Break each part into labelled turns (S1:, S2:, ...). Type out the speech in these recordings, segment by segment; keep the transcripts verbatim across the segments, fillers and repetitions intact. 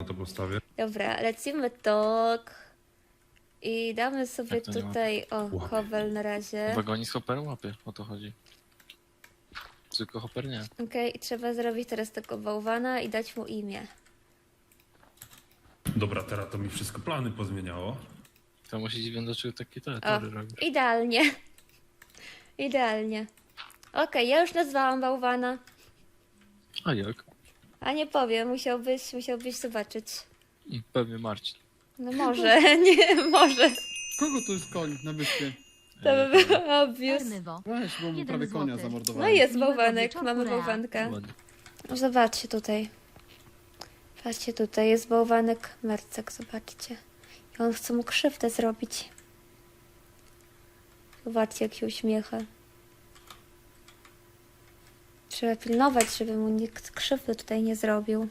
S1: to postawię.
S2: Dobra, lecimy tok. I damy sobie
S3: Jak to nie
S2: tutaj, o,
S1: Łapie.
S2: kowel na razie.
S3: Wagoni z hoperem łapie, o to chodzi. Tylko hoper nie.
S2: Okej, i trzeba zrobić teraz tego bałwana i dać mu imię.
S1: Dobra, teraz to mi wszystko plany pozmieniało.
S3: To musi dziwić, dlaczego takie te
S2: O,
S3: tory robisz.
S2: idealnie. Idealnie. Okej, ja już nazwałam bałwana.
S3: A jak?
S2: A nie powiem, musiałbyś, musiałbyś zobaczyć.
S3: Mm, Pewnie Marcin.
S2: No może, nie, może.
S4: Kogo to jest koń na wyspie?
S2: To by było obvious.
S5: Ernywo.
S4: Weź, bo mu
S5: Jeden
S4: prawie konia
S5: złoty.
S4: zamordowałem.
S2: No jest
S5: Miłego
S2: bałwanek,
S5: wieczoru,
S2: mamy
S5: Rea.
S2: bałwanka.
S3: Ładnie.
S2: Zobaczcie tutaj. Patrzcie tutaj, jest bałwanek Mercek, zobaczcie. I on chce mu krzywdę zrobić. Zobaczcie, jak się uśmiecha. Trzeba pilnować, żeby mu nikt krzywdy tutaj nie zrobił.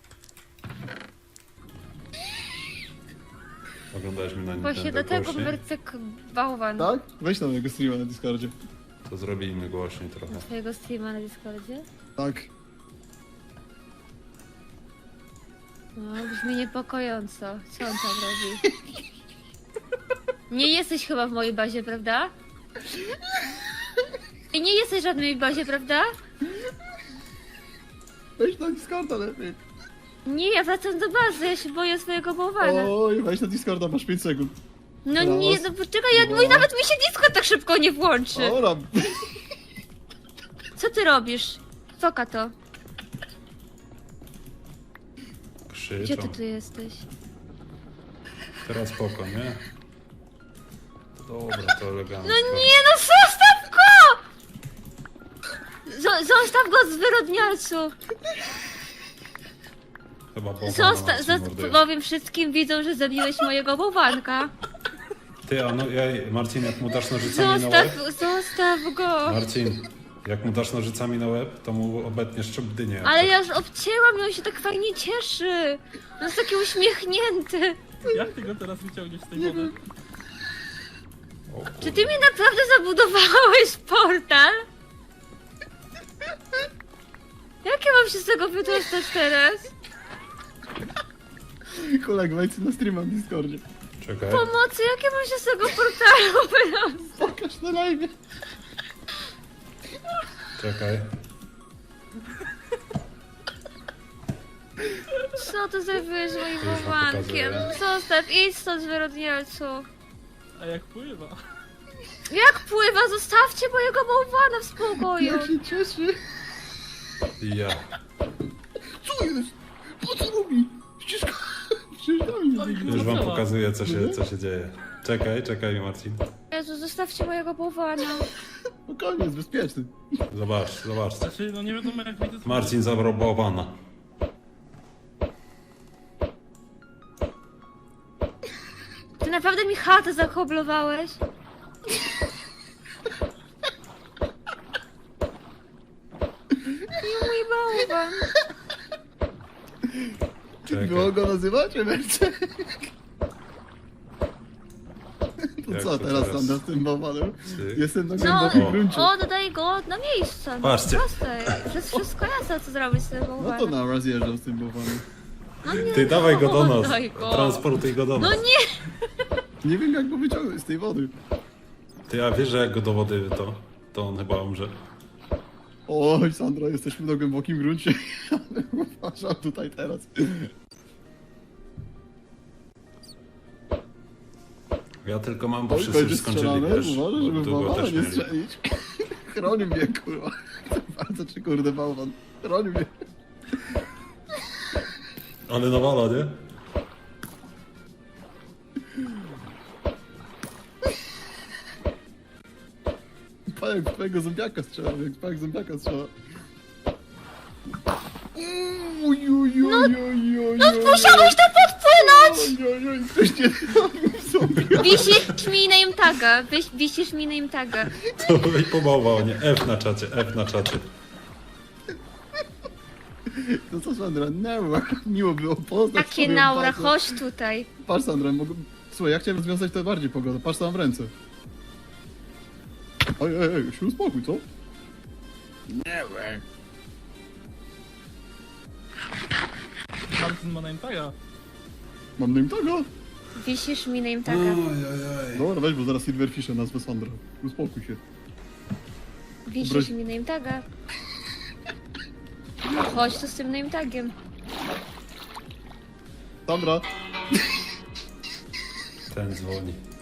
S1: Oglądałeś mnie na
S2: Właśnie
S1: Nintendo
S2: do tego
S1: głośniej?
S2: Mercek bałwan.
S4: Tak? Weź tam jego streama na Discordzie.
S1: To zrobimy głośniej trochę.
S2: Na swojego streama na Discordzie?
S4: Tak.
S2: No, brzmi niepokojąco. Co on tam robi? Nie jesteś chyba w mojej bazie, prawda? I nie jesteś w żadnej bazie, prawda?
S4: Weź na Discorda lepiej.
S2: Nie, ja wracam do bazy, ja się boję swojego bałwana.
S4: Oj, weź na Discorda, masz pięć sekund.
S2: No nie,
S4: Raz,
S2: no poczekaj, ja,
S4: dwa.
S2: mój nawet mi się Discord tak szybko nie włączy.
S4: Ora,
S2: Co ty robisz? Foka to. Gdzie
S1: Krzyczą.
S2: ty tu jesteś?
S1: Teraz spoko, nie? Dobra, to elegancko.
S2: No nie, no zostaw go! Zo- zostaw go, zwyrodnialcu!
S1: Chyba bałwana
S2: Zosta-
S1: nas
S2: zosta-
S1: morduje.
S2: powiem wszystkim widzom, że zabiłeś mojego bałwanka.
S1: Ty, a no, ja, Marcin, jak mu dasz nożycami na łeb?
S2: Zostaw, zostaw go!
S1: Marcin, jak mu dasz nożycami na łeb, to mu obetniesz czubdynię. jak
S2: Ale
S1: coś.
S2: ja już obcięłam i on się tak fajnie cieszy. On jest taki uśmiechnięty.
S6: Jak ty go teraz wyciągniesz z tej wody?
S1: O kurde.
S2: Czy ty mi naprawdę zabudowałeś portal? Jak ja mam się z tego wydostać teraz?
S4: kolega, wejdź na streama na Discordzie.
S1: Czekaj.
S2: Pomocy, jak ja mam się z tego portalu wydostać?
S4: Pokaż na live.
S1: Czekaj.
S2: Co ty zrobiłeś z moim
S1: To już wam
S2: bałwankiem?
S1: pokazuję.
S2: Zostaw, idź stąd, zwyrodnialcu.
S6: A jak pływa?
S2: Jak pływa? Zostawcie mojego bałwana w spokoju.
S4: Jak się cieszy.
S1: Ja.
S4: Co jest? Po co robi? Przecież... Przecież do mnie biegnie.
S1: Już wam pokazuję, co się, co się dzieje. Czekaj, czekaj, Marcin.
S2: Jezu, zostawcie mojego bałwana.
S4: Spokojnie, jest bezpieczny.
S1: Zobacz, zobacz.
S6: Znaczy, no nie wiadomo jak wyjdzie z
S1: Marcin zabrał bałwana.
S2: Ty naprawdę mi chatę zakoblowałeś? Nie mój bałwan.
S1: Czekaj.
S4: Było go nazywać, Emerce? To
S1: Jak
S4: co
S1: to
S4: teraz
S1: teraz?
S4: tam z tym bałwanem?
S1: Cyk.
S4: Jestem na
S2: No,
S4: głębokim gruncie.
S2: o, dodaj go na miejsce. No,
S1: Patrzcie.
S2: proste. To jest wszystko jasne, co zrobić z tym
S4: No to
S2: bałwanem.
S4: na raz jeżdżam z tym bałwanem.
S2: No nie,
S1: Ty dawaj go do nas.
S2: daj go.
S1: Transportuj go do
S2: No
S1: nas.
S2: nie!
S4: Nie wiem jak go wyciągnąć z tej wody.
S1: Ty, a wiesz, że jak go do wody to, to on chyba umrze.
S4: Oj, Sandra, jesteśmy na głębokim gruncie. Ale uważam tutaj teraz.
S1: Ja tylko mam, bo
S4: Oj,
S1: wszyscy już
S4: będzie
S1: skończyli,
S4: strzelane,
S1: wiesz?
S4: uważaj, żeby
S1: Bo długo
S4: bałwana
S1: też
S4: nie
S1: mieli.
S4: strzelić. Chroni mnie, kurwa. Bardzo czy kurde bałwan. Chroni mnie.
S1: Ale nawala, nie?
S4: Pajek twojego zombiaka strzela, jak pajek zombiaka strzela. Uj, uj, uj, uj, uj,
S2: No musiałeś to podpłynąć!
S4: Oj, oj, oj, ktoś nie zrobił zombie.
S2: Wisisz mi name taga, Wis- wisisz mi name taga.
S1: To i pomałał, nie? F na czacie, F na czacie.
S4: No co Sandra, never. Miło było poznać
S2: Takie
S4: twoją
S2: naura,
S4: bazę.
S2: chodź tutaj.
S4: Patrz Sandra, mogę... Słuchaj, ja chciałem rozwiązać to bardziej pogodę. Patrz co mam w ręce. Oj, oj, oj, się uspokój, co?
S6: Marcin ma name taga.
S4: Mam name taga.
S2: Wisisz mi name taga.
S1: Ojojoj.
S4: Dobra, weź, bo zaraz Silverfishem nazwę Sandra. Uspokój się.
S2: Wisisz
S4: Obraź-
S2: mi name taga. Chodź tu z tym name tagiem.
S4: Sandra,
S1: Ten dzwoni.